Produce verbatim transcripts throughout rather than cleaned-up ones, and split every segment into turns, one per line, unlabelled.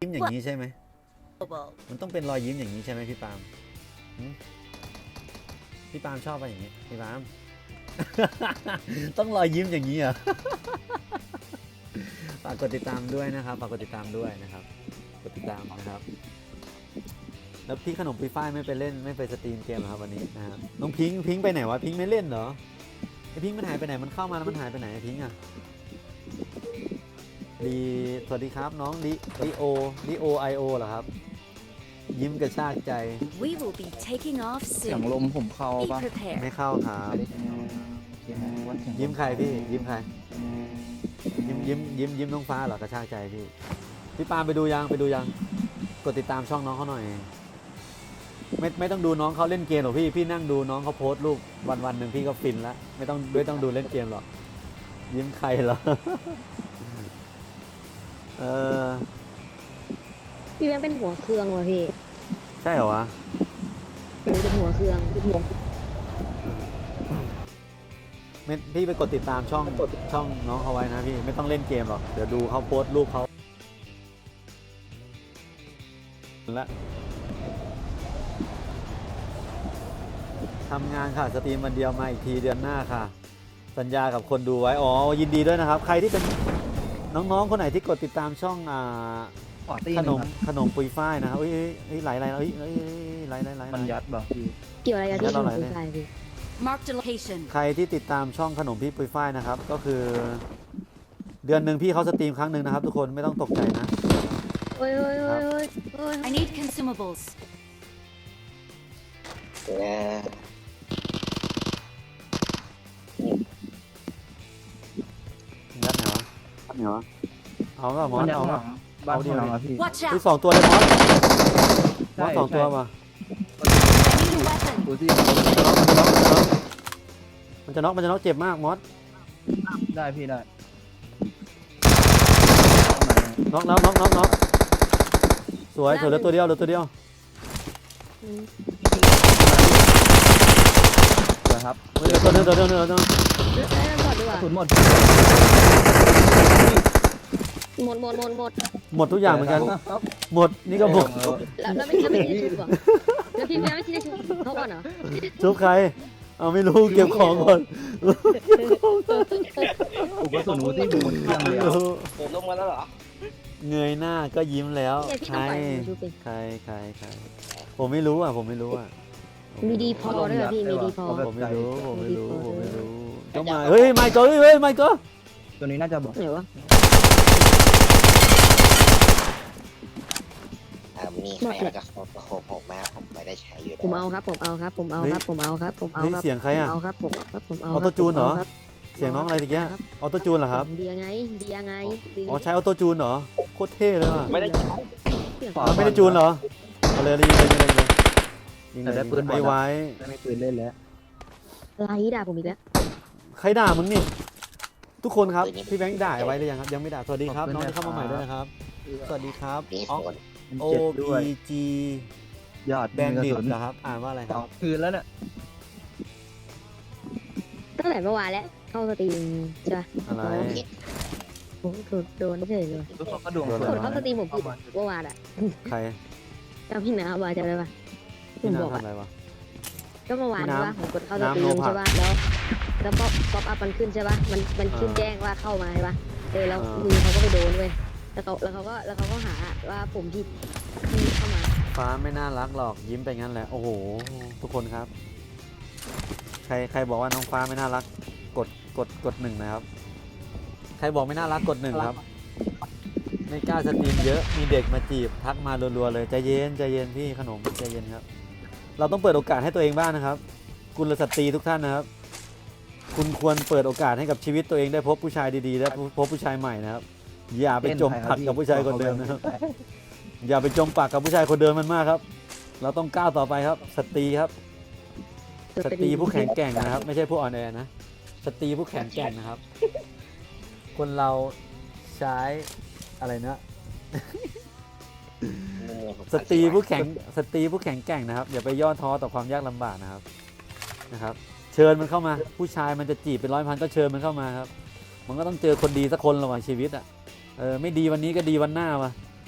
ยิ้มอย่างนี้ใช่ไหมมันต้องเป็นรอยยิ้มอย่างนี้ใช่ไหมพี่ปาล์มพี่ปาล์มชอบอะไรอย่างนี้พี่ปาล์ม ต้องรอยยิ้มอย่างนี้เหรอ ฝากกดติดตามด้วยนะครับฝากกดติดตามด้วยนะครับกดติดตามนะครับแล้วพี่ขนมปุยฝ้ายไม่ไปเล่นไม่ไปสตรีมเกมเหรอครับวันนี้นะครับน้องพิงค์พิงค์ไปไหนวะพิงค์ไม่เล่นเหรอไอพิงค์มันหายไปไหนมันเข้ามาแล้วมันหายไปไหนพิงค์อะดีสวัสดีครับน้องลิลิโอลิโอไอโอเหรอครับยิ้มกระชากใจ
We will be taking off
เสียง
soon.
ลมผมเข้า
Be
ป่ะ
prepared.
ไม่เข้าครับยิ้มใครพี่ยิ้มใครยิ้มยิ้มยิ้มยิ้มน้องฟ้าเหรอกระชากใจพี่พี่ปาล์มไปดูยังไปดูยังกดติดตามช่องน้องเขาหน่อยไม่ไม่ต้องดูน้องเขาเล่นเกมหรอกพี่พี่นั่งดูน้องเขาโพสต์รูปวันวันหนึ่งพี่ก็ฟินแล้วไม่ต้องไม่ต้องดูเล่นเกมหรอกยิ้มใครเหรอ เออ
พี่แบงค์เป็นหัวเครื่องว่ะพี่
ใช่เหรอวะ
หนูเป็นหัวเครื่องพี่หัว
ไม่พี่ไปกดติดตามช่องช่องน้องเขาไว้นะพี่ไม่ต้องเล่นเกมหรอกเดี๋ยวดูเขาโพสต์รูปเขาและทำงานค่ะสตรีมวันเดียวมาอีกทีเดือนหน้าค่ะสัญญากับคนดูไว้อ๋อยินดีด้วยนะครับใครที่เป็นน้องๆคนไหนที่กดติดตามช่องอ่าขนมขนมปุยฝ้ายนะครับเอ้ยเอ้ยไหลไหลเอ้ยเอ้ยไหลไหลไหล
มันยัดบ่พี่
เกี่ยวอะไรกับที่หนูเป็นใครพี่
Marked a location.
ใครที่ติดตามช่องขนมพี่ปุยฝ้ายนะครับก็คือเดือนหนึ่งพี่เขาสตรีมครั้งหนึ่งนะครับทุกคนไม่ต้องตกใจนะ
โอ้ยโอ้ยโอ้ยโอ้ยโอ้ย
I need consumables.
ยัดไหนวะยัดไหนวะเอาเปล่ามอ
มัน
ส
ยัด
เอา
ห
เป
ลั
ล่าง
บ้านพี่เราอะพี่
Watch
ที่
out.
สองตัวเลยมอสม
ใช่
อสสองตัว
ใช่
มา
I need a weapon.
ดูที่
มันจะน็อกมันจะน็อกมันจะน็อกมันจะน็อกเจ็บมากมอส
ได้พี่ได้
น็อกแล้วน็อกน็อกน็อกสวยสวยเหลือตัวเดียวเหลือตัวเดียว
อืม
เดี๋ยวครับ
เหลือตัวเดียวตัวเดียวตัวเดียวตัวเดียว
เอ้ยหมดดีก
ก
ว่า
ระสุนหมด
หมดหมดหมดหมด
หมดทุกอย่างเหมือนกันหมดนี่ก็หมด
แล้วแล้วไม่แล้วไม่ได้ชุบเหรอแล้วพี่แบงค์ไม่ได้ชุบเขาก่อนเหรอ
ชุบใครเอาไม่รู้เก็บของก่อน
อุปสรรคที่หมดเครื่องเลย
ผมลงมาแล้วเหรอ
เงยหน้าก็ยิ้มแล้ว
เนี่ยพี่
ใคร
ต้องปล่อยหนูชุบเอง
ใครใครใครผมไม่รู้อ่ะผมไม่รู้อ่ะ
มีดีพอด้วยเหรอพี่มีดีพอ
ผมไม่รู้ผมไม่รู้ผมไม่รู้ก็มาเฮ้ยไม่ก็เฮ้ยไม่ก็
ตัวนี้น่าจะบอก
ไหนวะ
อ่ามีใครเอากระโคกระโคกผมมาผมไม่ได้ใช้อยู่
ผมเอาครับผมเอาครับผมเอาครับผมเอาครับผมเอา
เฮ้ย
ครับ
เสียงใครอ่ะ
เอาครับผมครับผมเอา
ออโต้จูนเหรอ
ครับ
เสียงน้องอะไรตะเกียออโต้จูนเหรอครับ
เดียไงเดียไงเดีย
อ๋อใช้ออโต้จูนเหรอโคตรเท่เลยว่ะ
ไม่ได้ใช้
เสียง
อ๋อไม่ได้จูนเหรอเอาเลยยิงเลยยิงเลยยิงเลยยิงเลยไอ้ไว้
ไม่ปืนเล่นแล้ว
ไล่ด่าผมอีกแล้ว
ใครด่ามึงนี่ทุกคนครับพี่แบงค์ด่าไว้หรือยังครับยังไม่ด่าสวัสดีครับน้องที่เข้ามาใหม่ด้วยนะครับสวัสดีครับ
มี
อ๋อ
คน
โอ
เจ็บด้วย
พีจี
ยอด
แบนดิตนะครับอ่านว่าอะไรค
ส
รั
อบ งคืนแล้วเนี่ย
ตั้งแต่เมื่อวานแล้วเข้าสตรีมใช่ปะ
อะไร
ผมถูกโดนเฉยเลย
ทุกคนก็ดวง
โดน
กดเข้าสตรีมผมผิดเมื่อวานอ่ะ
ใคร
จำพี่น้ำว่าจำได้ปะผ
พี่
ม
นา
บอก
ทำ
อ่ะ
อะไรวะ
ก็เมื่อวาน
พี่
ใช่
น้ำ
ปะผมกดเข้าสตรี
น้ำโล
ม
ภะ
ใช่ปะแล้วแล้วป๊อปป๊อปอัพมันขึ้นใช่ปะมันมันขึ้น
อ่า
แจ้งว่าเข้ามาใช่ปะเออแล้ว
อ่ามื
มือเขาก็ไปโดนเว้ยแล้วเขาแล้วเขาก็แล้วเขาก็หาว่าผมผิดที่เข้ามา
ฟ้าไม่น่ารักหรอกยิ้มไปงั้นแหละโอ้โหทุกคนครับ ใครใครบอกว่าน้องฟ้าไม่น่ารักกดกดกดหนึ่งนะครับ ใครบอกไม่น่ารักกดหนึ่งครับไม่กล้าสตรีมเยอะมีเด็กมาจีบทักมารัวๆเลยใจเย็นใจเย็นพี่ขนมใจเย็นครับ เราต้องเปิดโอกาสให้ตัวเองบ้างนะครับกุลสตรีทุกท่านนะครับ คุณควรเปิดโอกาสให้กับชีวิตตัวเองได้พบผู้ชายดีๆและพบผู้ชายใหม่นะครับ อย่าไปจมปักกับผู้ชายคนเดิมนะครับ อย่าไปจมปักกับผู้ชายคนเดิมมันมากครับ เราต้องก้าวต่อไปครับ สตรีครับ สตรีผู้แข็งแกร่งนะครับ ไม่ใช่ผู้อ่อนแอนะสตรีผู้แข็งแกร่งนะครับ คนเราใช้อะไรนะสตรีผู้แข็งสตรีผู้แข็งแกร่งนะครับอย่าไปย่อท้อต่อความยากลำบากนะครับนะครับ เชิญมันเข้ามาผู้ชายมันจะจีบเป็นร้อยพันก็เชิญมันเข้ามาครับ มันก็ต้องเจอคนดีสักคนระหว่างชีวิตอ่ะเออไม่ดีวันนี้ก็ดีวันหน้าวะ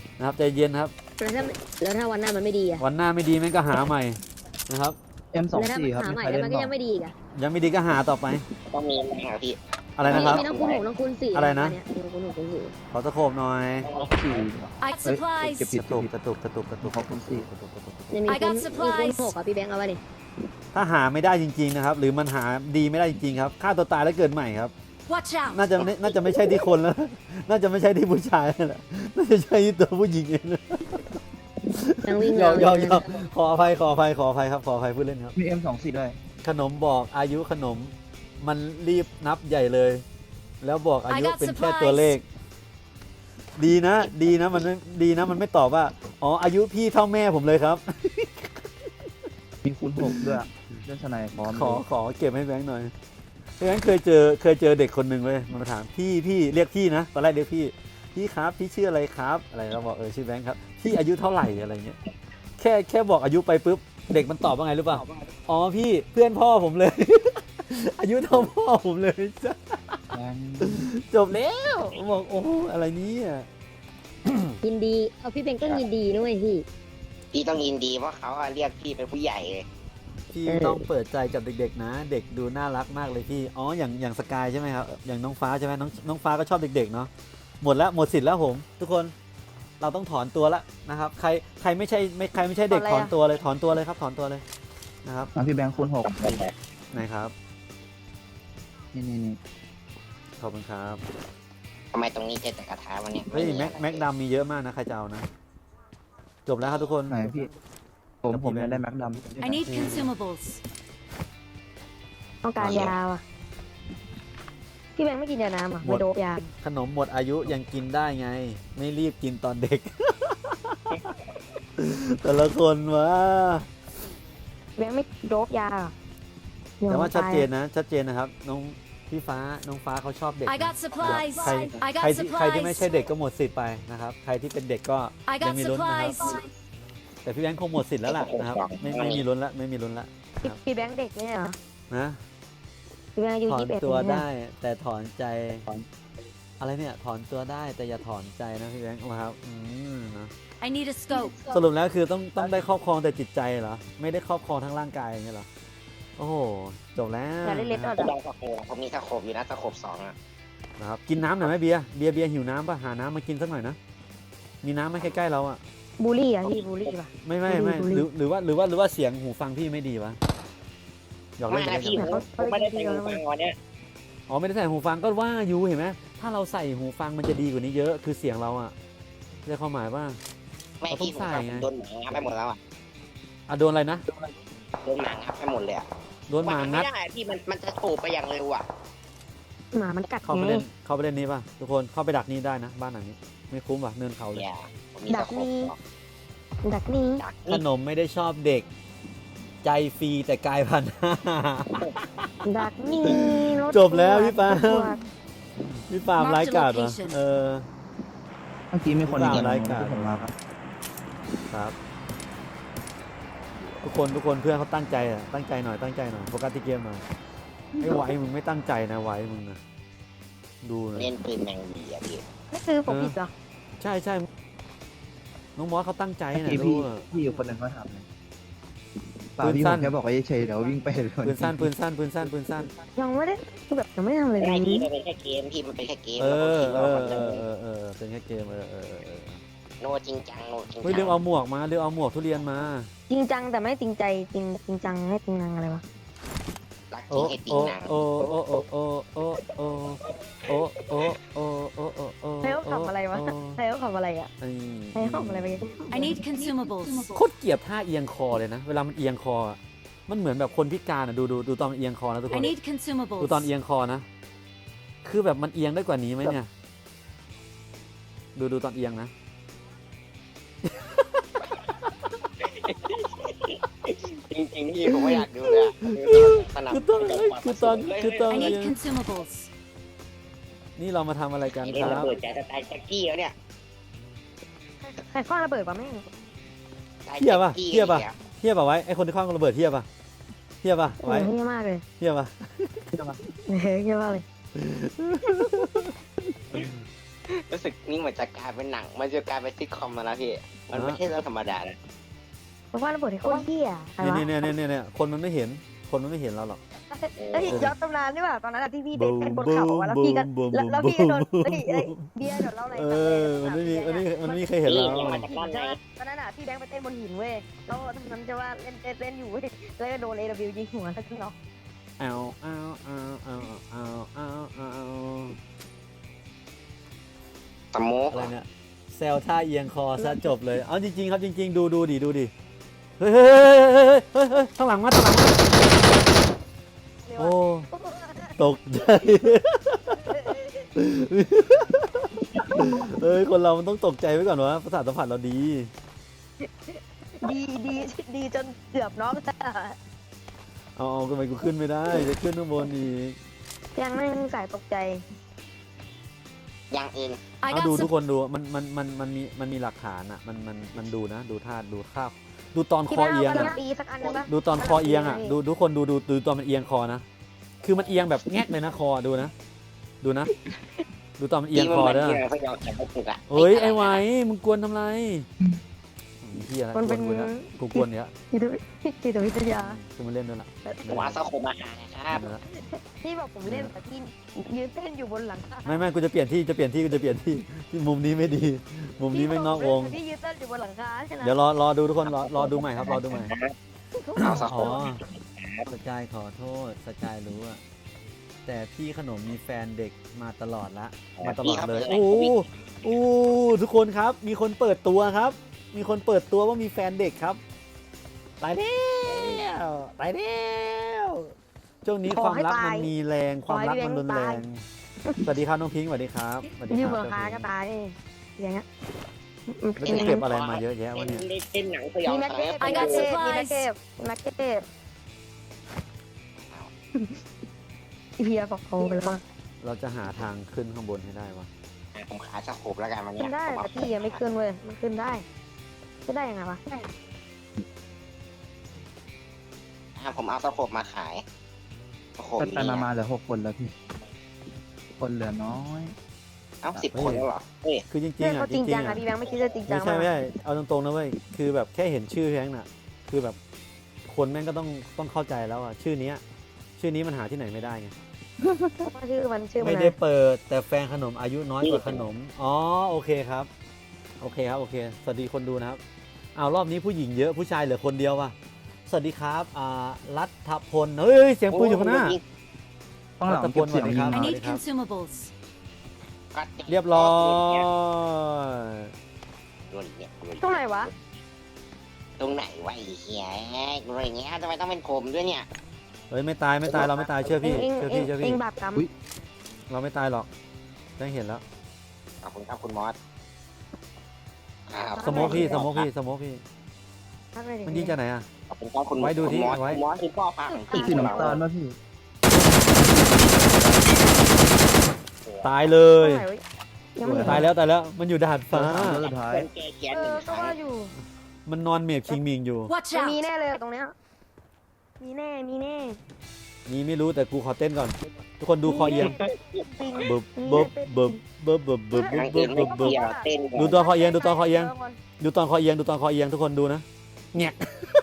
นะครับใจเย็นครับ
แล้วถ้าแล้วถ้าวันหน้ามันไม่ดีอะ
วันหน้าไม่ดีแม่งก็หาใหม่นะครับ
เอ็มสอง
แล้วถ้า
สี่
มัน
ครับ
หาใหม่
ใคร
แล้ว
เล่น
มันก็
บ้า
ยัง
ง
ไม่ดีอีกอะ
ยังไม่ดีก็หาต่อไป
ต้องมีไหมครับพี่
อะไรนะครับ
มีน้องคุณหกน้องคุณสี่
อะไรนะ
เยมีน้องคุณหกคุณสี่
ขอตะโขบหน่อย
สี่
I got
เฮ้ย
supplies.
เก็บผิด
กระตุกกระตุกกระตุกกระตุก
ขอบคุณสี่
กระตุกกระตุกกระตุก
เนี่ยมี
I
คุณ
got
มีคุณ
supplies
หกอ่ะพี่แบงค์เอาไว้ดิ
ถ้าหาไม่ได้จริงๆนะครับ หรือมันหาดีไม่ได้จริงๆครับฆ่าตัวตายแล้วเกิดใหม่ครับ
Watch out.
น่าจะไม่น่าจะไม่ใช่ที่คนแล้ว น่าจะไม่ใช่ที่ผู้ชายแล้วล่ะน่าจะใช่ที่ตัวผู้หญิงเองนะ
ยังวิ่ง
ยอมยอม
เร็
ยว อมขออภัยขออภัยขออภัยครับขออภัยพูดเล่นครับ
มีเอ็มสองสี่ด้วย
ขนมบอกอายุขนมมันรีบนับใหญ่เลย แล้วบอกอายุ
I got
เป็นแค่
supplies
ตัวเลข ดีนะ ดีนะมันไม่ดีนะมันไม่ตอบว่าอ๋ออายุพี่เท่าแม่ผมเลยครับ
มีคูณหกด้วยเล่นสไนพร้อม
ขอขอเก็บให้แบงค์หน่อยแบงค์เคยเจอเคยเจอเด็กคนหนึ่งเลยมันมาถามพี่พี่เรียกพี่นะตอนแรกเรียกพี่พี่ครับพี่ชื่ออะไรครับอะไรเราบอกเออชื่อแบงค์ครับพี่อายุเท่าไหร่อะไรเงี้ยแค่แค่บอกอายุไปปุ๊บเด็กมันตอบว่าไงรู้ป่ะอ๋อพี่เพื่อนพ่อผมเลย อายุเท่าพ่อผมเลยจ้ะ
แบงค์
จบแล้วบอกโอ้อะไรเนี้
ยินดีเอาพี่แบงค์ก็ยินดีด้วยพี่
พี่ต้องยินดีเพราะเขาอะเรียกพี่เป็นผู้ใหญ่เลย
พี่
เออ
ต้องเปิดใจกับเด็กๆนะ เด็กดูน่ารักมากเลยพี่อ๋ออย่างอย่างสกายใช่ไหมครับอย่างน้องฟ้าใช่ไหมน้องน้องฟ้าก็ชอบเด็กๆเนาะหมดแล้วหมดสิทธิ์แล้วผม ทุกคนเราต้องถอนตัวแล้วนะครับ ใครใครไม่ใช่ไม่ใครไม่ใช่เด็กถอนตัวเลยถอนตัวเลยครับถอนตัวเลยนะครับ
มาพี่แบงค์คูณหก
ไหนครับ
นี่นี่นี่
ขอบคุณครับ
ทำไมตรงนี้เจอแต่กระทะวันนี้
เฮ้ยแม็กแม็กดำมีเยอะมากนะใครจะเอานะจบแล้วครับทุกคน
ไหนพี่ ผมผมยังได้แม็กดำ
I need consumables.
ต้องการยาว่ะพี่แบงค์ไม่กินยาน้ำอ่ะไม่โดบยา
ขนมหมดอายุยังกินได้ไง ไม่รีบกินตอนเด็ก แต่ละคนวะ
แบงค์ไม่โดบยา
แต่ว่าชัดเจนนะชัดเจนนะครับน้องพี่ฟ้าน้องฟ้าเขาชอบเด็ก
I got supplies.
ใคร
I
ใคร
got
ที่ใครที่ไม่ใช่
supplies.
เด็กก็หมดสิทธิ์ไปนะครับ ใครที่เป็นเด็กก็
I
ยัง
got
มีลุ้นนะครับ
supplies.
แต่พี่แบงค์คงหมดสิทธิ์แล้วล่ะนะครับไม่ไม่มีลุ้นละไม่มีลุ้นละ
พี่พี่แบงค์เด็กเนี่ยเหรอ
นะ
พี่แบงค์อายุ
ถอน
ยี่สิบเอ็ด
ตัว
เนี่ย
ได้แต่ถอนใจอะไรเนี่ยถอนตัวได้แต่อย่าถอนใจนะพี่แบงค์นะครับอืมนะ
I need a scope.
สรุปแล้วคือต้องต้องได้ครอบครองแต่จิตใจเหรอไม่ได้ครอบครองทั้งร่างกายอย่างเงี้ยเหรอโอ้โหจบแล้ว
อย่าเล่นเล็ดออด
ลองตะโขบผมมีตะโขบอยู่นะตะโขบสองอะ
นะครับกินน้ำหน่อยไหมเบียร์เบียร์เบียร์หิวน้ำป่ะหาน้ำมากินสักหน่อยนะมีน้ำไหมใกล้ๆเราอ่ะ
บูลลี่อ่ะพี่บูลลี่ป่ะ
ไม่ไม่ไม่
บุหรี่
หรือหรือว่าหรือว่าหรือว่าเสียงหูฟังพี่ไม่ดีวะหยอก
ไม่
เล่น
นะ
ไป
พี่
เล่น
ผมผมไม่ได้ใส่หูฟังวันเนี้ย
อ๋อไม่ได้ใส่หูฟังก็ว่าอยู่เห็นไหมถ้าเราใส่หูฟังมันจะดีกว่านี้เยอะคือเสียงเราอ่ะได้ความหมายว่า
ไม่พี่ผมฟังผมโดนหมางับไปหมดแล้วอะ
อ่ะโดนอะไรนะ
โดนหมางับไปหมดเลยอะ
โดนหมา
มัน
งั
ไม่
ด
ได้พี่มันมันจะโฉบไปอย่างเร็วอะ
หมามันกัด
เข้าไป
ไง
เล่นเข้าไปเล่นนี้ป่ะทุกคนเข้าไปดักนี้ได้นะบ้านหลังนี้ไม่คุ้มว่ะเนินเขาเลย
อย่าผมมี
ดั
ตะ
ก
โขบ
นี่
สอง
ดักนี่
ดัก
ข
นี่
นมไม่ได้ชอบเด็ก ใจฟรีแต่กายพันห้า
ดักนี่รถ
จบแล้วพี่ปาล์ม
รถ
พี่ปาล์มไร้กาดวะเออ
เมื่อกี้มีคน
ตาม
ยิง
รายการ
ที่ผมมาครับ
ครับ ทุกคนทุกคนเพื่อนเขาตั้งใจอ่ะตั้งใจหน่อยตั้งใจหน่อยโฟกัสที่เกมหน่อยไอ้ไว้มึงไม่ตั้งใจนะไว้มึงนะดูนะ
เล่นปืนแมงวีอะพี่
นี่คือผมผิดเหรอ
ใช่ใช่น้องมอสเขาตั้งใจ
เมื่อ
นะ
กี้
ดู
พี่
อะ
พี่อยู่คนหนึ่งเขาถามเลยเปล่า
ปืน
พี่
สั้
ผ
น
มแค่บอกว่าเฉยๆเดี๋ยววิ่งไปเลย
ปืนสั้นปืนสั้นปืนสั้นปืนสั้น
ยังไม่ได้คือแบบยังไม่ได้ทำอะไรเล
ไม่
ย
พี่มันเป็นแค่เกมพี่มันเป็นแค่เกม
เอ
แล้วผม
อ
คิด
เอ
ว่า
อ
มันจะ
เออเออเออเป็นแค่เกมเออเออเออเออ
โนจริงจังโนจริง
เฮ้ย
จั
เรื่องเอาหมวกมาเรื่องเอาหมวกทุเรียนมา
จริงจังแต่ไม่จริงใจจริงจริงจังให้จริงนังอะไรวะ
รักจ
โอ้
ริงให้จริง
โอ้
นะ
โอ้โอ้โอ้โอ้โอ้โอ้โอ้โอ้โอ้โอ้โอ้โอ้
ใครเขาขับอะไรวะใครเขาขับอะไรอ่ะ
ไอ้
ใครเขาขับอะไรไป
I need consumables.
โคตรเกลียดท่าเอียงคอเลยนะ เวลามันเอียงคออะมันเหมือนแบบคนพิการอ่ะดูดูดูตอนมันเอียงคอนะทุกค
I
น
need
ดูตอน
consumables.
เอียงคอนะ คือแบบมันเอียงได้กว่านี้ไหมเนี่ย ดูดูตอนเอียงนะ
จริงๆพี่ผมไม่อยากดูเลยอะสนับ
คือตอนคือตอนคือตอน
I
เอีย
need
ง
consumables.
นี่เรามาทำอะไรกัน
เล่
คน รั
ระ
บ
เบิดใจสไตล์แจ็คกี้แล้วเนี่ย
ใครคว้างระเบิดปะแม่ง
สไตล์
เทียบป่ะ
แจ็คกี้
เทียบป่ะ
นี่
เทียบป่ะไว้ไอคนที่คว้างระเบิดเทียบป่ะเทียบป่ะ
โอ้
ไว้
ยเฮี้ยมากเลย
เทียบป่ะ
เฮ้ยเฮี้ยมากเลย
รู้สึกนี่เหมือนจะกลายเป็นหนัง มันจะกลายเป็นซิทคอมมาแล้วพี่ มันไม่ใช่เรื่องธรรมดานะ
เพราะว่าระเบิดที่โคตรเหี้ยใคร
เนี่
วะ
ยเนี่ยเนี่ยเนี่ยเนี่ยคนมันไม่เห็น คนมันไม่เห็นเราหรอก
เอ้ยย้อนตำนานดีกว่าตอนนั้นอะที่พี่ไปเป็นบนเขาอะแล้วพี่ก็แล้วแล้วพี่ก็โดนเฮ้ยเอ้ยเบียร์เดี๋ยวเล่าอะไร
เอ
ฟังเลย
อ มันไม่มีมันไม่มันไม่มีใครเห็นเรา
นี่มาจากด้านไหน
ตอนนั้นอะพี่แบงค์ไปเต้นบนหินเว้ยแล้วตอนนั้นจะว่าเล่นเต้นเล่นอยู่เว้ยแล้วก็โดนเอวิวยิงหัวแล้วก็น็อก
เอาเอาเอาเอาเอาเอาเอา
สโมก
อะไรเนี่ยแซวท่าเอียงคอซะจบเลย เอาจริงๆครับจริงๆ ดูดูดิดูดิ เฮ้ยเฮ้ยเฮ้ยเฮ้ยเฮ้ยข้างหลังมาข้างหลังมา
เรียก
โอ้
ว่า
ตกใจ เอ้ย คนเรามันต้องตกใจไว้ก่อนวะประสาทสัมผัสเราดี
ดีดีดีจนเกือบน็อกอะ
เอาเอาทำไมกูขึ้นไม่ได้ จะขึ้นข้างบนอีก
ยังไม่สายตกใจ
ยังเอง
I
เอา
got
ดูทุก
sup-
คนดู มันมันมันมันมีมันมีหลักฐานอ่ะ มันมันมันดูนะ ดูท่าดูท่าดูตอนค
พี่
อ
บ้า
เอียง
วัน
อ่ะ
ละปีสักอันนึงปะ
ดูตอนคอเอียงอ่ะ ดูทุกคนดูดูดูตอนมันเอียงคอนะ คือมันเอียงแบบแงกเลยนะคอดูนะ ดูนะ ดูตอนมันเอียงคอเด้อ
ที่มันพยายามจะไม่ถูกอะ
เฮ้ยไอ้ไหวมึงกวนทำไรมีเฮียอะไร
มัน
กว
เป็น น
กูเนี่ยกูกวนเนี้ย
จิตวิจิตวิทยา
กูมาเล่นด้วยล่ะ
ผมเอาสักคมมาหานะครับ
เล่นด้วยละ
พี่บอกผมเล่นแต่พี่ยืนเต้นอยู่บนหลังคา
ไม่ไม่กูจะเปลี่ยนที่จะเปลี่ยนที่กูจะเปลี่ยนที่ที่มุมนี้ไม่ดี มุมนี้ไม่งนอกวง
พี่ยืนเต้นอยู่บนหลังคาใช่ไหม
เดี๋ยวรอรอดูทุกคนรอรอดูใหม่ครับรอดูใหม่
เอาสักค
อ๋อ
ม
สกายขอโทษสกายรู้อะแต่พี่ขนมมีแฟนเด็กมาตลอดละมาตลอดเลยโอ้โหโอ้โหทุกคนครับ มีคนเปิดตัวครับ มีคนเปิดตัวว่ามีแฟนเด็กครับตายแล้วตายแล้วช่วงนี้ความรักมันมีแรงความรักมันรุนแรงสวัสดีครับน้องพิงค์สวัสดีครับสวัสดี
ยื
คน รั
บนหลังคาก็ตายอย่างเงี้ย
แล้วจะเก็บอะไรมาเยอะแยะวะเนี่ย
เต้นหนังสยอ
มี
ง
แม็ก
ข
เก็
วั
ต
ญ
มี
I
แม็
got
กเก็ตมีแม็ก
supplies
เก็ตมีแม็กเก็ตเฮียบอกเขาไปแล้วว่า
เราจะหาทางขึ้นข้างบนให้ได้วะ
ผมขาสักคมแล้วกันวัน
ขึ้
นี้
นได้แต่พี่ยังไม่ขึ้นเว้ยมันขึ้นได้ขึ้นได้ยังไงวะ
ผมเอาสักคมมาขายสักคม
ไปไป
นี้
มามาเหลือหกคนแล้วพี่ คนเหลือน้อย
เอ้าสิบคนแล้วเหรอเฮ้ย
คือจริง
เรื่อง
ๆอ่ะ
เขา
จ
จริง
ริง
จัง
ๆ
อ่ะ
อ่ะ
พี่แบงค์ไม่คิดจะจริงจั
ไม่
ง
ใช่
มา
ไม่ใช่เอาตรงๆนะเว้ยคือแบบแค่เห็นชื่อแพงน่ะ คือแบบคนแม่งก็ต้องต้องเข้าใจแล้วอ่ะชื่อเนี้ย ชื่อนี้มันหาที่ไหนไม่ได้ไง
ชื่อมันชื่อมัน
ไม่ได้เปิดแต่แฟนขนมอายุน้อยกว่าขนมอ๋อโอเคครับ โอเคครับโอเค สวัสดีคนดูนะครับเอารอบนี้ผู้หญิงเยอะผู้ชายเหลือคนเดียวว่ะสวัสดีครับอ่ารัฐพลเฮ้ยเสียงปืนอยู่ข้างหน้า
ต้องหลังเก็บเสียงยิง
I
มา
need consumables.
เรียบร้อย
โดนอีกเนี่ย
ตรงไหนวะ
ตรงไหนวะไอ้เหี้ยโดนอย่างเงี้ยทำไมต้องเป็นผมด้วยเนี่ย
เฮ้ยไม่ตายไม่ตายเราไม่ตายเชื่อพี่
เอง
เชื่อ
เอง
พี่เชื่อ
เอ
พี่
งบาปกรรม
เราไม่ตายหรอกได้เห็นแล้ว
ขอบคุณครับคุณมอสอ่า
สโมกพี่สโมกพี่สโมกพี่
ทักเลยดิ
มันยิงจากไหนอ่ะ
ขอบคุณครับคุณ
ไว้ดูที่
คุณมอส
ไว้
คุณมอสคือพ่อพาของพี่
สีน้ำตาลป่ะพี่
ตายเลย
ตรงไหนวะยังไม่เห็น
ตายแล้วตายแล้วมันอยู่ดาดฟ้า
แล้วสุดท้าย
เป็นแกเขียน
เอ
หนึ่
อง
ค
ก็
รั้ง
ว่าอยู่
มันนอนเมียบคิงมิงอยู่
Watch
มันมี
out!
แน่เลยตรงเนี้ยมีแน่มีแน่
มีไม่รู้แต่กูขอเต้นก่อน ทุกคนดูคอเอียง
ปิง
บึบบึบบึบบึบบึบบึบ
อย่าง
บึ
อื่
บ
น
บึ
ไม่
บบึบ
เกี่ยวเต้น
ดูตัวคอเอียงดูตัวคอเอียงดูตอนคอเอียงดูตอนคอเอียงทุกคนดูนะแงก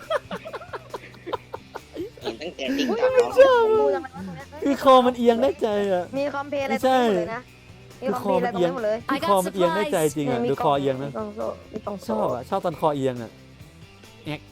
เห็นตั้งแต่ติ๊ก
อุ้ย
ต็อก
ไม่
แล้ว
เชื่อดูทำไมวะตรงเนี้ย
คือคอมันเอียงได้ใจอ่ะ
มีคอมเพลย์อะไร
ไม่
ตร
ใช่
งนี้หมดเลยนะมีคอมเพลย์อะไรตรงนี้หมดเลย
คือคอมันเอียงได้ใจจริงอ่ะ
มี
ดู
ก
ค
ล่
อง เอียงนะ
มีกล่องโซ่มีกล่อง
ช
โซ่
อบอ่ะชอบตอนคอเอียงอ่ะแงก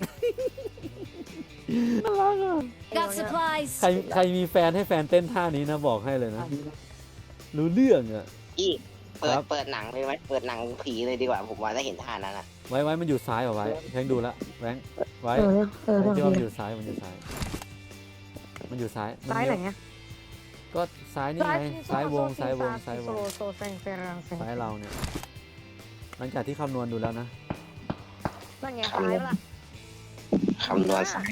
น่ารักอ่ะ
Got supplies.
ใครใครมีแฟนให้แฟนเต้นท่านี้นะบอกให้เลยนะ รู้เรื่องอ่ะ
พี่เปิ
ค
ด
รับ
เปิดหนังเลยไหมเปิดหนังผีเลยดีกว่าผมว่าถ้าเห็นท่านั้นอ่ะ
ไว้ไว้มันอยู่ซ้ายเหรอไว้แพงดูละแบงค์ไว้
เออเออ
ไว้
เรื่อง
ที่ว่ามันอ
นี้
ยู่ซ้ายมันอยู่ซ้าย มันอยู่ซ้ายมัน
ซ้ายไหน
เลี้ว
อะ
ก็ซ้ายนี่ไงซ้ายวงซ้ายวงซ้ายวง
โซโซแซงเซรังแซง
ซ้ายเราเนี่ย หลังจากที่คำนวณดูแล้วนะ
นั่นไงซ้ายปะล่ะ
คำนวณสาย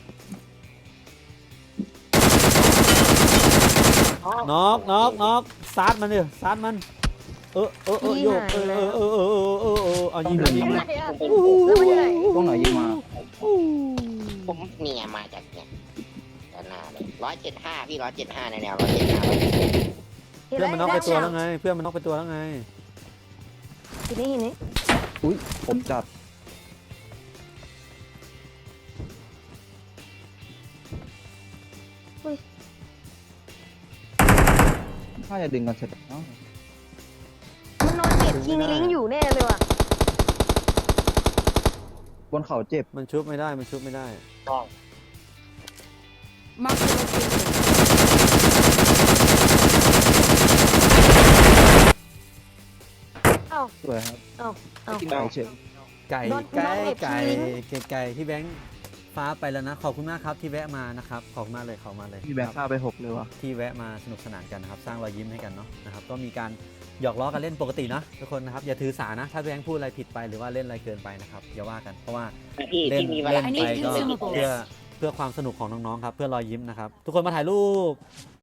น็อกน็อกน็อกซัดมันดิซัดมัน เออเออเออโยกเออเออเออเออเออเออเออเอายิงเลยยิง
ไหน
เลย
อะ
เป็น
แล้วมันอยู่ไหน
ตรงไหนยิงมา
ผมเนี่ยมาจากเนี่ยด้านหน้าเลยร้อยเจ็ดห้าพี่ร้อยเจ็ดห้าในแนวร้อยเจ็ดห้า
เพื่อนมันน็อกไปตัวแล้วไง เพื่อนมันน็อกไปตัวแล้วไง
ทีนี้ทีนี้
อุ้ยผมจัดถ้าจะดึงกันเสร็จเอ้า
มันนอนเน็ตยิงลิงก์อยู่แน่เลยว่ะ
บนเขาเจ็บ
มันชุบไม่ได้มันชุบไม่ได้
Mark the location.
เอ้า
สวยครับ
เอ้าเอ้า
กินไก่เฉย
ไก่
โดน
ไก่
โดนเน็ต
ไก่
ทิ้ง
ไก่ไก่ที่แบงค์ฟ้าไปแล้วนะขอบคุณมากครับที่แวะมานะครับขอบคุณมากเลยขอบคุณมากเลย
พี่แบง
ค
ค์
รับ
ฆ่าไปหกเลยวะ
ที่แวะมาสนุกสนานกันนะครับสร้างรอยยิ้มให้กันเนาะนะครับก็มีการหยอกล้อกันเล่นปกตินะทุกคนนะครับอย่าถือสานะถ้าแบงค์พูดอะไรผิดไปหรือว่าเล่นอะไรเกินไปนะครับอย่าว่ากันเพราะว่า
พี่
เล่น
ที่มีเว
เล่
ลาน
ไปก็
consumables
เพื่อเพื่อความสนุกของน้องๆครับเพื่อรอยยิ้มนะครับทุกคนมาถ่ายรูป